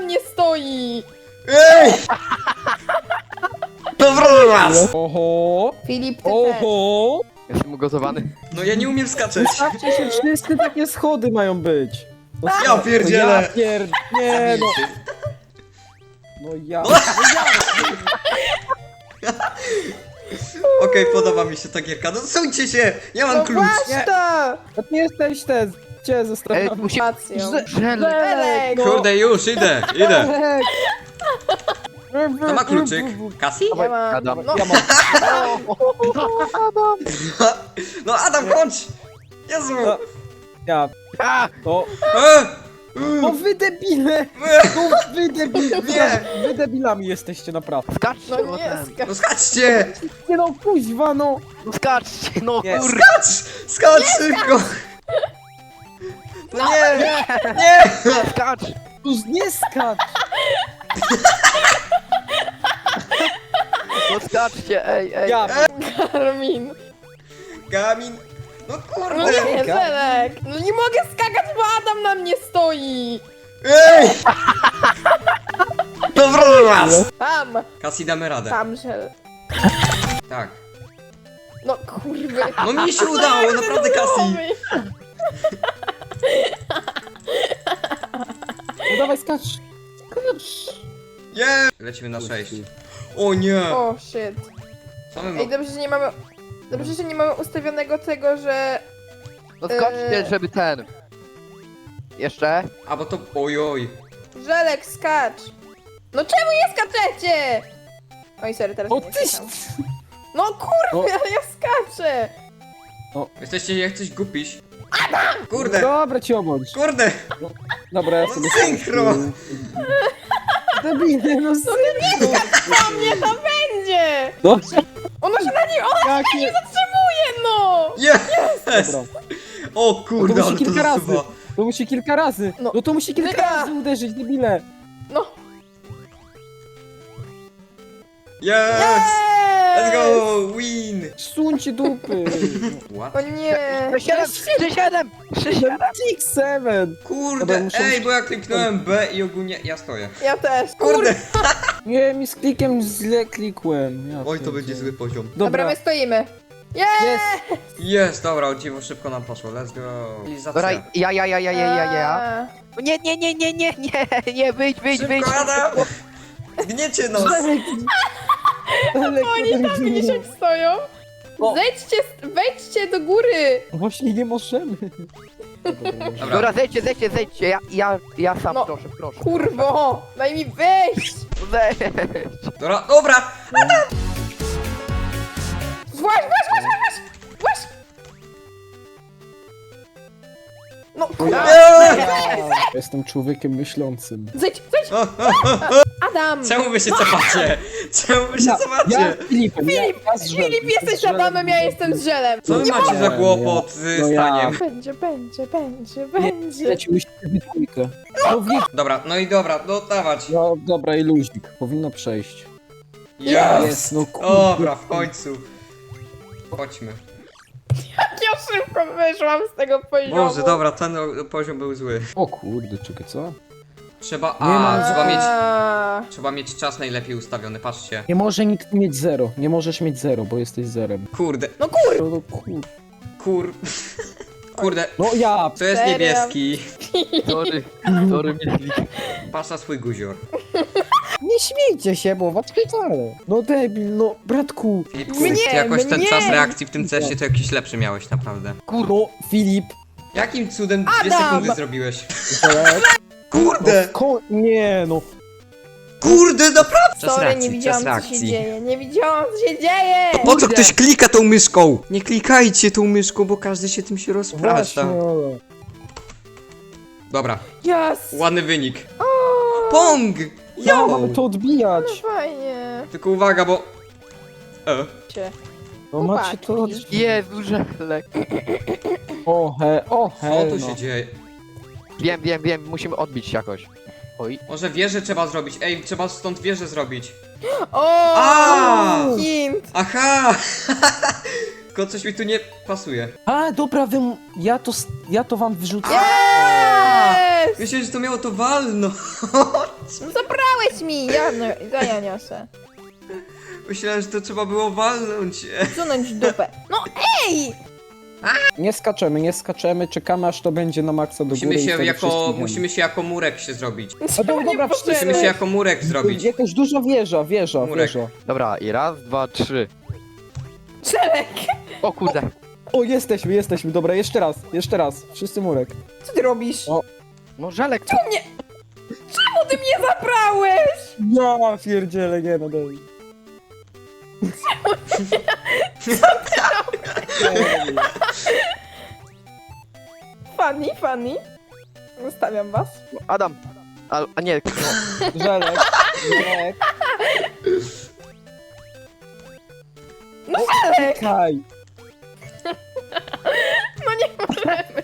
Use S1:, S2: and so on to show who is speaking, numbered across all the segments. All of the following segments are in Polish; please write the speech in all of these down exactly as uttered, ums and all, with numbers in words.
S1: mnie stoi!
S2: Ej! Dobra was!
S3: Oho!
S1: Filip, ty też.
S3: Oho!
S4: Jestem ugotowany.
S2: No ja nie umiem skaczeć.
S3: Stawcie się, wszyscy takie schody mają być. No,
S2: Ja pierdzielę.
S3: Ja pier... Nie no. No ja...
S2: No. Okej, podoba mi się ta gierka. No suńcie się! Ja mam
S1: No
S2: klucz!
S1: właśnie to!
S3: To nie jesteś ten... Cię
S4: Ej,
S3: zostawiam.
S4: musi...
S1: Racją.
S3: Żelek.
S1: Żelek!
S2: Kurde, już, idę, idę.
S3: Żelek.
S2: To ma kluczyk. Kasi?
S1: Ja mam...
S4: Adam.
S1: No,
S3: Ja mam...
S2: No Adam, chodź! Jezu!
S3: No. Ja...
S4: A!
S3: To...
S2: E!
S3: No wy debile!
S2: E!
S3: No wy debile!
S2: Nie.
S3: Wy debilami jesteście naprawdę.
S4: Skaczcie,
S1: no
S4: no
S1: nie,
S4: ten.
S1: skacz.
S2: No skaczcie!
S3: Nie no, kuźwa no!
S4: No skaczcie, no
S3: Nie.
S4: kur...
S2: Skacz! Skacz szybko! No nie! Nie!
S4: Skacz!
S3: Już nie skacz!
S4: No skaczcie, ej, ej.
S3: Ja...
S1: Karmin.
S2: Gamin! No
S1: No
S2: kurde!
S1: nie, Żelek. No nie mogę skakać, bo Adam na mnie stoi.
S2: Ej! Dobra was!
S1: Tam,
S2: Kasi, damy radę.
S1: tam, Żel.
S2: Tak.
S1: No kurwy.
S2: No mi się udało, naprawdę Kasi!
S3: No dawaj skacz! Skacz!
S2: Nie! Lecimy na sześć. O nie!
S1: O, shit.
S2: Co my
S1: Ej,
S2: ma...
S1: dobrze, że nie mamy... Dobrze, że nie mamy ustawionego tego, że...
S4: No skaczcie,
S1: Eee.
S4: żeby ten... Jeszcze?
S2: A bo to... Ojoj.
S1: Żelek, skacz. No czemu nie skaczecie? Oj, sorry, teraz
S3: O
S1: nie
S3: ty...
S1: skakam. No kurwa, ale ja skaczę.
S2: Jesteście jak coś gupiś. Kurde!
S3: Dobra ci obądź.
S2: Kurde!
S3: Dobra, ja
S2: No
S3: sobie...
S2: synchro!
S3: Debile, no synchro!
S1: Co mnie to będzie?
S3: Dobrze,
S1: Ono się na niej... Ona się nie
S3: jakie...
S1: zatrzymuje, no!
S2: Jest!
S3: Dobra.
S2: O kurde,
S3: No to musi
S2: ale to
S3: kilka razy.
S2: zasuwa.
S3: To musi kilka razy.
S1: No.
S3: No to musi kilka
S1: Wygra.
S3: razy uderzyć, debile.
S1: No.
S2: Yes! Let's
S1: Yes!
S2: go! Win!
S3: Suńcie dupy.
S2: What?
S1: O nie.
S4: trzy siedem! trzy siedem! trzy siedem!
S3: Six, seven.
S2: Kurde,
S3: Dobra, muszę-
S2: ej, bo ja kliknąłem B i ogólnie ja stoję.
S1: Ja też.
S2: Kurde!
S3: Nie, mi z klikiem źle klikłem. Ja
S2: Oj, to
S3: pierdzielę.
S2: będzie zły poziom.
S1: Dobra,
S3: Dobra,
S1: my stoimy. Yes!
S3: jest.
S2: Jest, dobra, o dziwo szybko nam poszło, let's go.
S4: Dobra,
S2: Realizacja.
S4: ja, ja, ja, ja, ja, ja, ja.
S1: A.
S4: No nie, nie, nie, nie, nie, nie, nie, wyjdź, wyjdź, wyjdź.
S2: Szybko, Adam! Zgniecie nos!
S3: Żelek. Żelek,
S1: Oni tam
S3: nie.
S1: misiek stoją.
S3: O.
S1: Zejdźcie, wejdźcie do góry.
S3: Właśnie nie możemy. Dobra,
S2: Dobra.
S4: Dobra, zejdźcie, zejdźcie, zejdźcie, ja, ja, ja sam,
S1: No.
S4: proszę, proszę.
S1: Kurwo, daj mi wejść.
S4: Zejdź.
S2: Dobra, dobra!
S1: Właź, właź, właź, właź, właź. Właź. No kurwa.
S3: Jestem człowiekiem myślącym.
S1: Zejdź, zejdź.
S2: O, o, o,
S1: Adam.
S2: czemu wy się cofacie? Czemu wy się
S3: Ja
S2: cofacie?
S3: Filipem, ja,
S1: Filip,
S3: ja z Żelem.
S1: Filip, jesteś
S3: Z Żelem.
S1: Adamem, ja jestem z Żelem.
S2: Co wy
S1: Nie
S2: macie za
S3: mogę.
S2: kłopot z
S3: No ja-
S2: staniem?
S1: Będzie, będzie, będzie,
S3: Nie,
S1: będzie.
S3: leci musimy być dwójkę. No, wi-
S2: Dobra, no i dobra, no dawać.
S3: no dobra i luzik. Powinno przejść.
S2: Jest!
S3: no kurde.
S2: Dobra, w końcu. Chodźmy.
S1: Jak ja szybko wyszłam z tego poziomu.
S2: Boże, dobra, ten o- poziom był zły.
S3: O kurde, czekaj, co?
S2: Trzeba,
S3: Nie
S2: a,
S3: mam-
S2: trzeba mieć,
S1: A.
S2: trzeba mieć czas najlepiej ustawiony, patrzcie.
S3: Nie może nikt mieć zero. Nie możesz mieć zero, bo jesteś zerem.
S2: Kurde,
S1: No kur...
S3: No, no kurde.
S2: kur... Kurde,
S3: No ja!
S2: to jest
S1: Serio?
S2: niebieski.
S4: Sorry, sorry, myśli.
S2: Patrz na swój guzior.
S3: Nie śmiejcie się, bo was wcale. No debil, no bratku.
S2: Filipku,
S1: Mnie,
S2: ty jakoś ten
S1: mnie.
S2: czas reakcji w tym cesie to jakiś lepszy miałeś, naprawdę.
S3: Kurno, Filip.
S2: Jakim cudem dwie
S1: Adam!
S2: sekundy zrobiłeś?
S3: Żelek.
S2: Kurde!
S3: Ko nie no.
S2: Kurde, naprawdę! Czas
S1: Sorry, nie
S2: reakcji,
S1: widziałam
S2: czas
S1: co się
S2: reakcji.
S1: dzieje, nie widziałam co się dzieje!
S2: Po co
S3: Kurde.
S2: ktoś klika tą myszką? Nie klikajcie tą myszką, bo każdy się tym się rozprasza.
S3: Właśnie, ale-
S2: Dobra,
S1: Yes!
S2: ładny wynik.
S1: O,
S2: Pong!
S3: Ja
S2: Jo!
S3: mamy to odbijać.
S1: no fajnie.
S2: Tylko uwaga, bo... E.
S1: Cię.
S3: No macie to
S1: Chłopaki.
S3: odbijać.
S4: Jezu, Żelek.
S3: O he, o
S2: Co
S3: he.
S2: tu
S3: no.
S2: się dzieje?
S4: Wiem, wiem, wiem, musimy odbić się jakoś. Oj.
S2: Może wieżę trzeba zrobić. Ej, trzeba stąd wieżę zrobić.
S1: O!
S2: A!
S1: Hint!
S2: Aha! Tylko coś mi tu nie pasuje.
S3: A dobra, wy... ja to, s- ja to wam wyrzucę.
S1: Yes! jest?
S2: Myślałem, że to miało to walnąć.
S1: No zabrałeś mi! Ja, no, ja, ja niosę.
S2: Myślałem, że to trzeba było walnąć.
S1: Zsunąć dupę. No ej!
S3: Nie skaczemy, nie skaczemy, czekamy aż to będzie na maksa do
S2: Musimy
S3: góry i
S2: się
S3: wtedy
S2: jako,
S3: wszystkim
S2: musimy się jako murek się zrobić.
S3: A dobra,
S1: Nie
S3: dobra,
S1: potrzebne.
S2: Musimy się jako murek
S3: wiemy.
S2: zrobić.
S3: Jakaś duża wieża, wieża,
S2: Murek.
S3: wieża.
S4: Dobra, i raz, dwa, trzy.
S1: Żelek!
S4: O kurde.
S3: O, jesteśmy, jesteśmy, dobra, jeszcze raz, jeszcze raz. Wszyscy murek.
S1: Co ty robisz?
S3: O.
S4: No żelek, co?
S1: Nie! Czemu ty mnie zabrałeś?
S3: Ja pierdzielę, nie no, daj.
S1: Funny, funny. Zostawiam was.
S4: Adam. A, a nie, no.
S3: Żelek, żelek.
S1: No Żelek!
S3: Kaj.
S1: No nie możemy.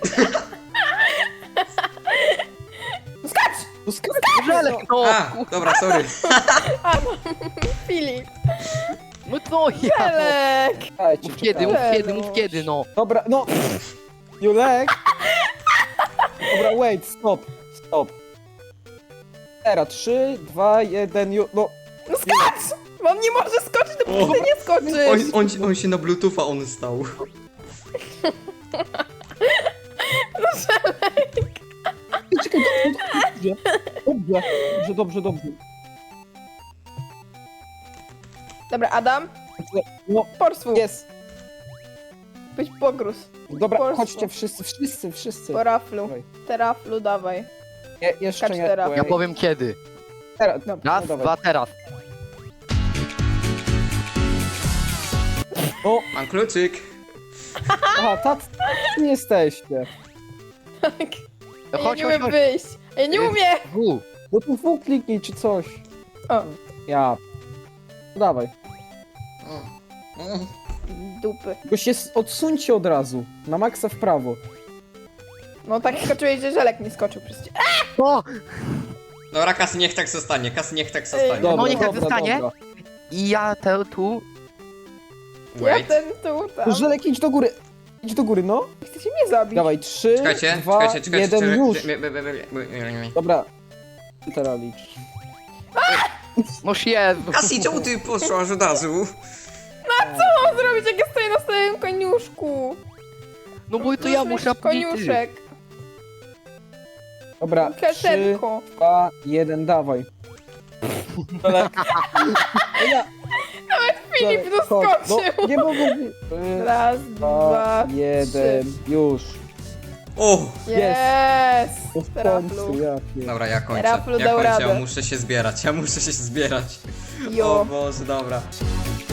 S1: Skacz!
S3: No skacz,
S4: Żelek, no.
S2: A, dobra, sorry.
S1: Filip.
S4: No to ja.
S1: Żelek!
S3: Czekajcie,
S4: Mów kiedy, mów
S3: czekajcie.
S4: kiedy, mów kiedy, no.
S3: Dobra, no. Julek. Dobra, wait, stop, stop. Teraz trzy, dwa, jeden, ju... no.
S1: No skacz! Bo on nie może skoczyć, dopóki
S2: O.
S1: ty nie
S2: On,
S1: skoczysz.
S2: on, on się na bluetootha on stał.
S3: Czekaj, dobrze, dobrze, dobrze, dobrze, dobrze.
S1: Dobra, Adam.
S3: No,
S1: Porswu.
S3: jest.
S1: Być pogruz.
S3: Dobra,
S1: Polsku.
S3: chodźcie wszyscy, wszyscy, wszyscy.
S1: Po raflu.
S3: Dawaj.
S1: Teraflu, dawaj.
S3: Je, jeszcze
S1: Skacz
S3: nie.
S1: teraz.
S4: Ja
S3: wait.
S4: powiem kiedy.
S3: Teraz, no,
S4: Raz,
S3: no, dawaj.
S4: dwa, teraz.
S3: O,
S2: Mam kluczyk.
S3: aha, tak, nie jesteście.
S1: Tak.
S4: No
S1: Ja
S4: chodź,
S1: nie
S4: chodź,
S1: umiem
S4: chodź.
S1: wyjść. Ja nie umiem.
S4: U.
S3: No tu W kliknij czy coś.
S1: O,
S3: Ja. Dawaj.
S1: dupy.
S3: Bo się s- odsuńcie od razu. Na maksa w prawo.
S1: No tak skoczyłeś, że Żelek nie skoczył przecież.
S4: O!
S2: Dobra, Kasy niech tak zostanie, Kasy niech tak zostanie.
S3: Dobra,
S4: No niech tak
S3: dobra,
S4: zostanie.
S3: dobra.
S4: I ja te tu.
S1: Ja
S2: Wait.
S1: ten tu, tam.
S3: Żelek, idź do góry. Idź do góry, no.
S1: Chcecie mnie zabić.
S3: Dawaj, trzy,
S2: Czekajcie,
S3: dwa,
S2: czekajcie, czekajcie.
S3: jeden,
S2: czekajcie.
S3: już.
S2: Be- be- be- be- be- be-
S3: Dobra. Ty teraz licz.
S4: No Jezu.
S2: Kasy, czemu ty poszłaś od razu?
S1: Co mam zrobić, jak ja stoję na swoim koniuszku?
S4: No bo to ja muszę
S1: Koniuszek.
S3: Dobra, trzy,
S1: Kaszenko.
S3: dwa, jeden, dawaj. Żelek. No ja.
S1: Filip
S3: Żelek, chodź.
S1: doskoczył.
S3: No, nie mogę. Trzy,
S1: Raz,
S3: dwa,
S1: dwa,
S3: jeden, już.
S2: O!
S1: trzy. Jest.
S3: To w
S1: Teraflu.
S3: końcu, ja pier-
S2: Dobra, ja kończę.
S1: Raflu
S2: Ja
S1: dał
S2: kończę, ja
S1: radę.
S2: muszę się zbierać, ja muszę się zbierać. O
S1: Jo.
S2: Boże, dobra.